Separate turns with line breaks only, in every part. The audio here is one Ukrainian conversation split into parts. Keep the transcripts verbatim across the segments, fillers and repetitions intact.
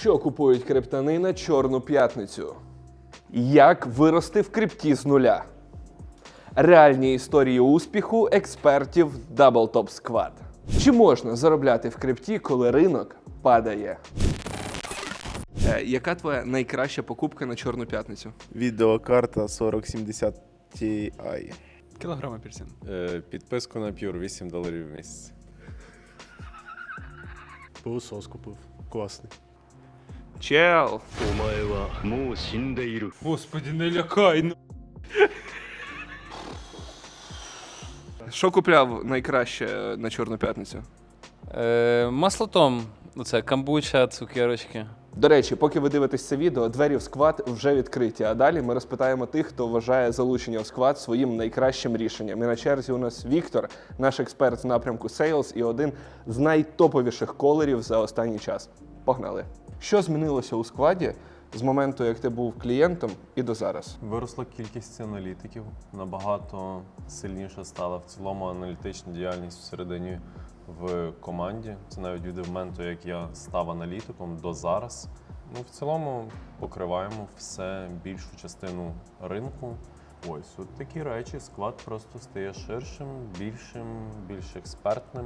Що купують криптани на Чорну п'ятницю? Як вирости в крипті з нуля? Реальні історії успіху експертів Double Top Squad. Чи можна заробляти в крипті, коли ринок падає? Е, яка твоя найкраща покупка на Чорну п'ятницю?
Відеокарта сорок сімдесят Ti.
Кілограм апельсин.
Е, підписку на Pure вісім доларів в місяць.
Пилосос купив. Класний.
Чел!
Господи, не лякай! ну.
Що купляв найкраще на Чорну п'ятницю?
Е, маслотом. Оце камбуча, цукерочки.
До речі, поки ви дивитесь це відео, двері в сквад вже відкриті, а далі ми розпитаємо тих, хто вважає залучення в сквад своїм найкращим рішенням. І на черзі у нас Віктор, наш експерт з напрямку Sales і один з найтоповіших колерів за останній час. Погнали! Що змінилося у скваді з моменту, як ти був клієнтом, і до зараз?
Виросла кількість аналітиків, набагато сильніше стала в цілому аналітична діяльність всередині в команді. Це навіть від моменту, як я став аналітиком, до зараз. Ну, в цілому покриваємо все, більшу частину ринку. Ось, от такі речі, склад просто стає ширшим, більшим, більш експертним.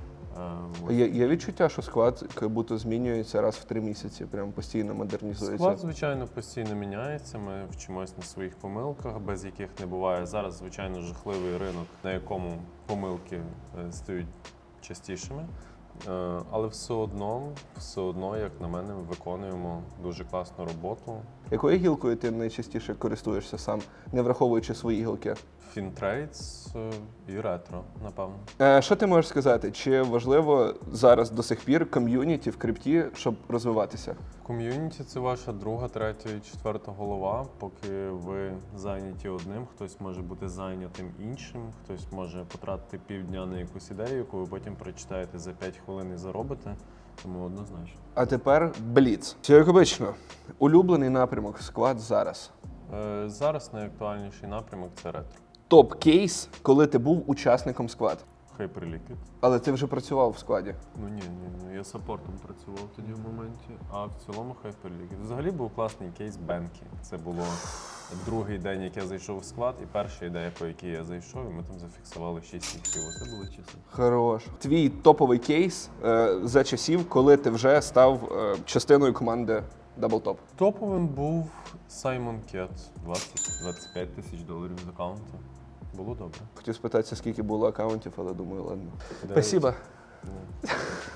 Е,
Є, є відчуття, що склад як будто змінюється раз в три місяці, прям постійно модернізується?
Склад, звичайно, постійно міняється. Ми вчимось на своїх помилках, без яких не буває. Зараз, звичайно, жахливий ринок, на якому помилки е, стають частішими. Е, Але все одно, все одно, як на мене, виконуємо дуже класну роботу.
Якою гілкою ти найчастіше користуєшся сам, не враховуючи свої гілки?
Фінтрейдс е, і ретро, напевно.
Е, Що ти можеш сказати? Чи важливо зараз до сих пір ком'юніті в крипті, щоб розвиватися?
Ком'юніті – це ваша друга, третя і четверта голова. Поки ви зайняті одним, хтось може бути зайнятим іншим, хтось може потратити півдня на якусь ідею, яку ви потім прочитаєте за п'ять хвилин і заробите. Тому однозначно.
А тепер Бліц. Все як обично. Улюблений напрямок склад зараз.
Е, Зараз найактуальніший напрямок – це ретро.
Топ-кейс, коли ти був учасником склад.
Hyperliquid.
Але ти вже працював в складі.
Ну ні, ні, ні, я саппортом працював тоді в моменті, а в цілому Hyperliquid. Взагалі був класний кейс Бенкі. Це було другий день, як я зайшов в склад, і перша ідея, по якій я зайшов, і ми там зафіксували шість іксів. Це були часи.
Хорош. Твій топовий кейс е, за часів, коли ти вже став е, частиною команди Double Top.
Топовим був Simon Cat. двадцять-двадцять п'ять тисяч доларів з аккаунту. Було добре.
Хотів спитатися, скільки було акаунтів, але думаю, ладно.
Дев'ять.
Спасибо.
Ну.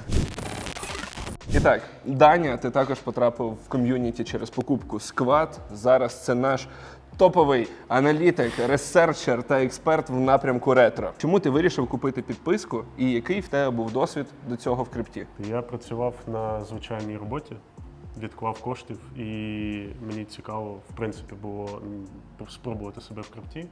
І так, Даня, ти також потрапив в ком'юніті через покупку Squad. Зараз це наш топовий аналітик, ресерчер та експерт в напрямку ретро. Чому ти вирішив купити підписку і який в тебе був досвід до цього в крипті?
Я працював на звичайній роботі, відклав коштів, і мені цікаво, в принципі, було м, спробувати себе в крипті.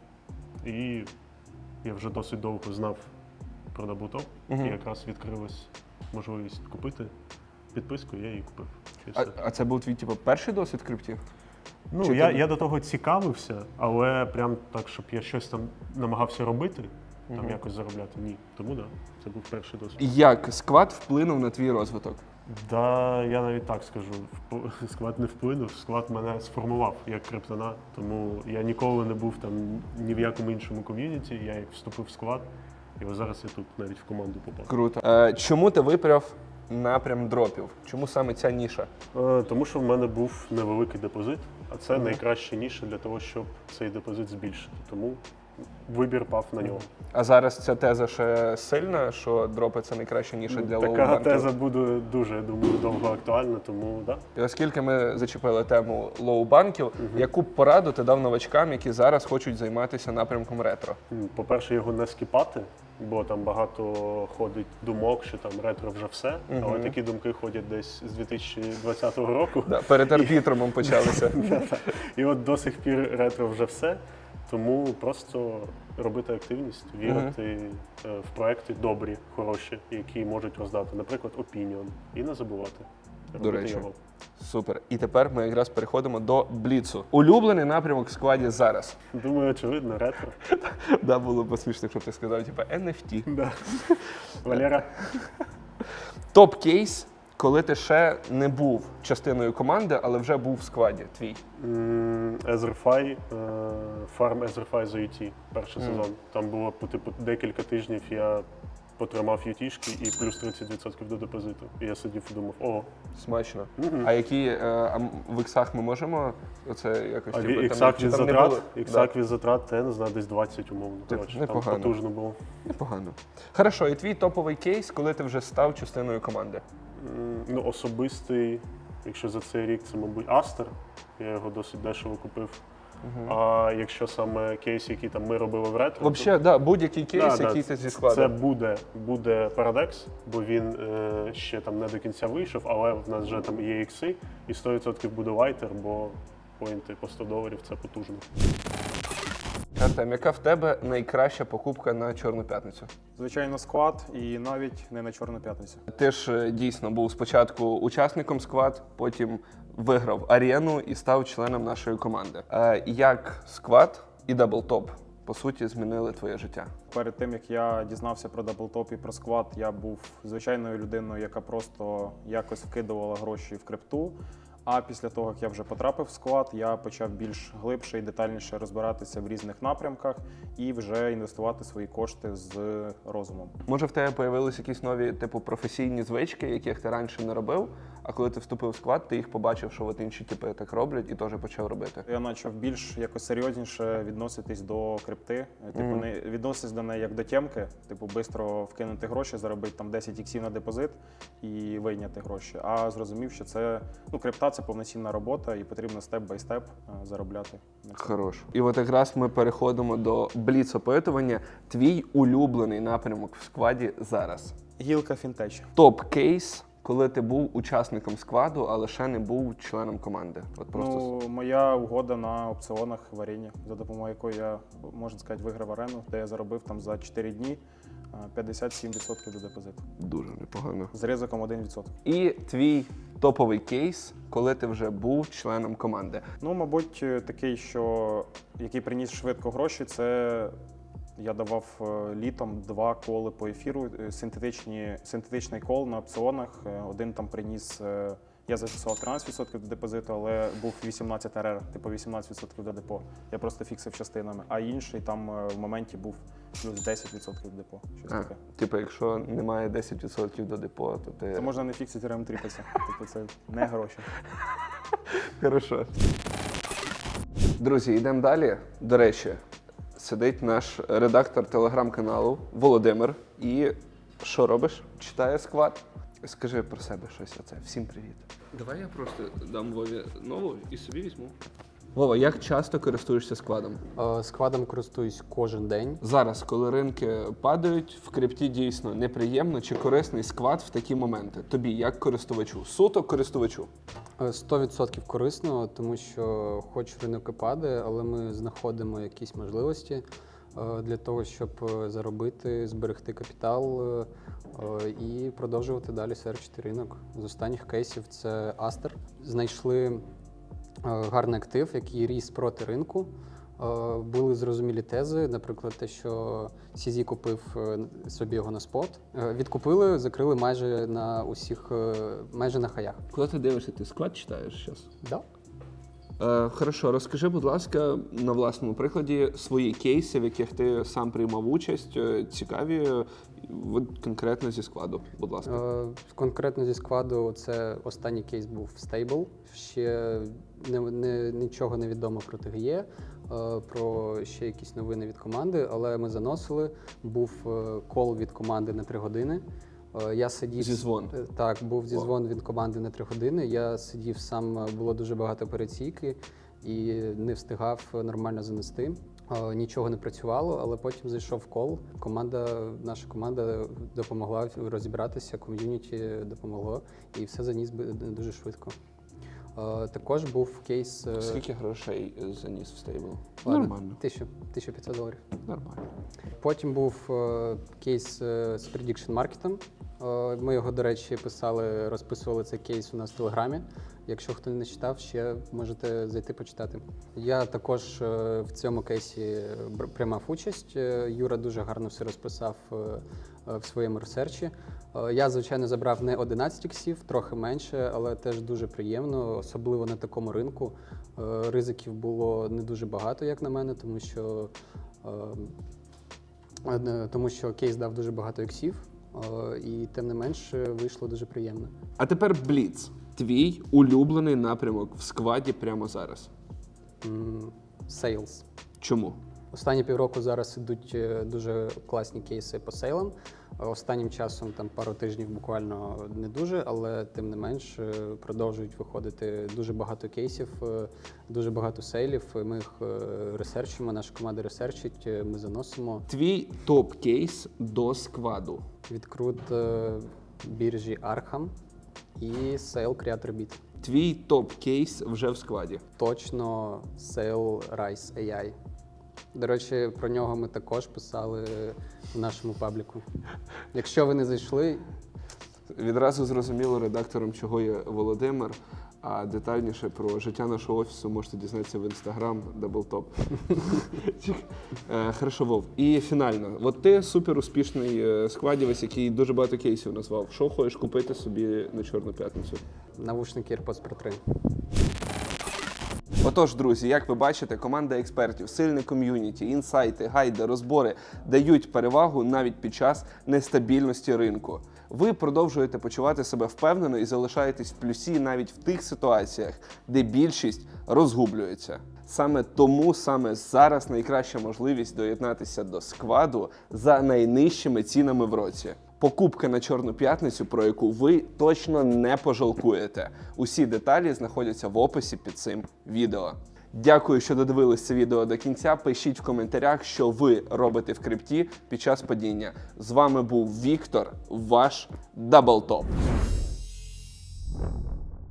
І я вже досить довго знав про Double Top,
Мгм.
і якраз відкрилась можливість купити підписку, я її купив. І
А,
все.
а це був твій типу, перший досвід в крипті?
Ну,
чи
я,
ти-
я до того цікавився, але прям так, щоб я щось там намагався робити, там
Мгм.
якось заробляти, ні. Тому так, да, це був перший досвід.
Як Squad вплинув на твій розвиток?
Да, я навіть так скажу, вп- склад не вплинув, склад мене сформував як криптона, тому я ніколи не був там ні в якому іншому ком'юніті, я як вступив в склад, і ось зараз я тут навіть в команду попав.
Круто. Е, чому ти вибрав напрям дропів? Чому саме ця ніша?
Е, Тому що в мене був невеликий депозит, а це найкраща ніша для того, щоб цей депозит збільшити. Тому вибір пав на нього.
А зараз ця теза ще сильна, що дропи це найкраща ніша для
Така
лоу-банків?
теза буде дуже, я думаю, довго актуальна, тому так. Да.
І оскільки ми зачепили тему лоу-банків, яку б пораду ти дав новачкам, які зараз хочуть займатися напрямком ретро?
М, По-перше, його не скіпати, бо там багато ходить думок, що там ретро вже все, але
Мгм.
такі думки ходять десь з дві тисячі двадцятого року.
Да, перед арбітромом почалися.
І от до сих пір ретро вже все. Тому просто робити активність, вірити е, в проекти добрі, хороші, які можуть роздати, наприклад, Opinion, і не забувати робити
речі.
його.
Супер. І тепер ми якраз переходимо до Бліцу. Улюблений напрямок в складі зараз.
Думаю, очевидно, ретро.
Да, було б смішно, якщо б ти сказав, типу, ен еф ті.
Да. Валера.
Топ-кейс, коли ти ще не був частиною команди, але вже був в складі твій.
М, Ezerfi, е, Farm Ezerfi за ю ті, перший
Мгм.
сезон. Там було по типу декілька тижнів я потримав ю ті-шки і плюс тридцять відсотків до депозиту. І я сидів і думав, о,
Смачно.
Мгм.
А які е, а м- в іксах ми можемо оце якось
а
типу, там-
іксак
чи
від
там не
затрат,
було?
іксак від затрат, те, не знаю, десь двадцять умовно.
Типу,
Коротше, там
непогано.
потужно було.
Непогано. Хорошо, і твій топовий кейс, коли ти вже став частиною команди.
М, Ну, особистий, якщо за цей рік, це, мабуть, Астер. Я його досить дешево купив. А якщо саме кейс, який там ми робили в ретро,
Взагалі, да, будь-який кейс,
Да, да,
який ти зі
це
складу.
буде, буде Paradex, бо він е, ще там не до кінця вийшов, але в нас вже там є ікси, і сто відсотків буде лайтер, бо поінти по сто доларів це потужно.
Артем, яка в тебе найкраща покупка на Чорну п'ятницю?
Звичайно, склад і навіть не на Чорну п'ятницю.
Ти ж е, дійсно був спочатку учасником сквад, потім виграв арену і став членом нашої команди. Е, як сквад і даблтоп, по суті, змінили твоє життя?
Перед тим, як я дізнався про даблтоп і про склад, я був звичайною людиною, яка просто якось вкидувала гроші в крипту. А після того, як я вже потрапив в склад, я почав більш глибше і детальніше розбиратися в різних напрямках і вже інвестувати свої кошти з розумом.
Може, в тебе появились якісь нові типу професійні звички, яких ти раніше не робив, а коли ти вступив в склад, ти їх побачив, що от інші типи так роблять, і теж почав робити.
Я почав більш якось серйозніше відноситись до крипти. Типу,
Мгм.
не відноситись до неї як до тємки, типу, швидко вкинути гроші, заробити там десять іксів на депозит і вийняти гроші. А зрозумів, що це ну, крипта це повноцінна робота, і потрібно степ-бай-степ е, заробляти. на цьому.
Хорош. І от якраз ми переходимо до бліц-опитування. Твій улюблений напрямок в складі зараз.
Гілка фінтеч.
Топ-кейс, коли ти був учасником складу, але ще не був членом команди. От просто
Ну, моя угода на опціонах варіння, за допомогою якої я, можна сказати, виграв арену, де я заробив там за чотири дні е, п'ятдесят сім відсотків до депозиту.
дуже непогано.
З ризиком один відсоток.
І твій топовий кейс, коли ти вже був членом команди.
Ну, мабуть, е, такий, що який приніс швидко гроші, це я давав е, літом два коли по ефіру, е, синтетичні, синтетичний кол на опціонах. Е, Один там приніс, е, я зафіксував тринадцять відсотків до депозиту, але був вісімнадцять ар ар, типу вісімнадцять відсотків до депо. Я просто фіксив частинами. А інший там е, в моменті був плюс десять відсотків до депо. Щось
А,
таке.
типу, якщо немає десять відсотків до депо, то ти.
Це можна не фіксити рем тріпатися. Типу, це не гроші.
Хорошо. Друзі, йдемо далі. До речі, сидить наш редактор телеграм-каналу Володимир. І що робиш? Читає сквад. Скажи про себе щось оце. Всім привіт. Давай я просто дам Вові нову і собі візьму. Вова, як часто користуєшся складом?
Е, Складом користуюсь кожен день.
Зараз, коли ринки падають, в крипті дійсно неприємно чи корисний сквад в такі моменти. Тобі, як користувачу? Суто користувачу.
Е, сто відсотків корисно, тому що хоч ринок і падає, але ми знаходимо якісь можливості е, для того, щоб е, заробити, зберегти капітал е, е, і продовжувати далі серчити ринок. З останніх кейсів це Астер. Знайшли е, гарний актив, який ріс проти ринку. Е, Були зрозумілі тези, наприклад, те, що сі зі купив е, собі його на спот. Е, Відкупили, закрили майже на усіх, е, майже на хаях.
Коли ти дивишся, ти склад читаєш зараз?
Да.
Е, хорошо, розкажи, будь ласка, на власному прикладі свої кейси, в яких ти сам приймав участь, е, цікаві, е, от конкретно зі складу, будь ласка.
Е, Конкретно зі складу це останній кейс був Stable. Ще не, не, нічого не відомо про ТГЄ, е, про ще якісь новини від команди, але ми заносили. Був е, кол від команди на три години. Е, Я сидів
Зізвон.
Е, Так, був
О.
зізвон від команди на три години. Я сидів сам, е, було дуже багато операційки і не встигав нормально занести. Е, Нічого не працювало, але потім зайшов кол. Команда, наша команда допомогла розібратися, ком'юніті допомогло, і все заніс би- дуже швидко. Е, Також був кейс е,
Скільки грошей е, заніс в стейбл?
ладно,
Нормально.
тисячу, тисяча п'ятсот доларів.
Нормально.
Потім був е, кейс е, з Prediction Market. Е, Ми його, до речі, писали, розписували цей кейс у нас в Телеграмі. Якщо хто не читав, ще можете зайти почитати. Я також е, в цьому кейсі бр- приймав участь. Е, Юра дуже гарно все розписав е, е, в своєму ресерчі. Е, Я, звичайно, забрав не одинадцять іксів, трохи менше, але теж дуже приємно, особливо на такому ринку. Е, Ризиків було не дуже багато, як на мене, тому що, е, е, тому що кейс дав дуже багато іксів, е, і тим не менш вийшло дуже приємно.
А тепер Бліц. Твій улюблений напрямок в скваді прямо зараз.
М, Sales.
Чому?
Останні півроку зараз ідуть е, дуже класні кейси по сейлам. Е, Останнім часом, там пару тижнів буквально не дуже, але тим не менш е, продовжують виходити дуже багато кейсів, е, дуже багато сейлів. і Ми їх е, ресерчимо, наша команда ресерчить, е, ми заносимо.
Твій топ-кейс до скваду.
Відкрут е, біржі Arkham і сейл Creator Beat.
Твій топ-кейс вже в скваді.
Точно сейл Rise ей ай. До речі, про нього ми також писали в нашому пабліку. Якщо ви не зайшли,
Відразу зрозуміло редактором, чого є Володимир. А детальніше про життя нашого офісу можете дізнатися в інстаграм Даблтоп. Е, Хорошо, Вов. І фінально. От ти супер успішний е, сквадівець, який дуже багато кейсів назвав. Що хочеш купити собі на Чорну п'ятницю?
навушники AirPods Pro три.
Отож, друзі, як ви бачите, команда експертів, сильне ком'юніті, інсайти, гайди, розбори дають перевагу навіть під час нестабільності ринку. Ви продовжуєте почувати себе впевнено і залишаєтесь в плюсі навіть в тих ситуаціях, де більшість розгублюється. Саме тому саме зараз найкраща можливість доєднатися до скваду за найнижчими цінами в році. Покупка на Чорну п'ятницю, про яку ви точно не пожалкуєте. Усі деталі знаходяться в описі під цим відео. Дякую, що додивились це відео до кінця. Пишіть в коментарях, що ви робите в крипті під час падіння. З вами був Віктор, ваш Даблтоп.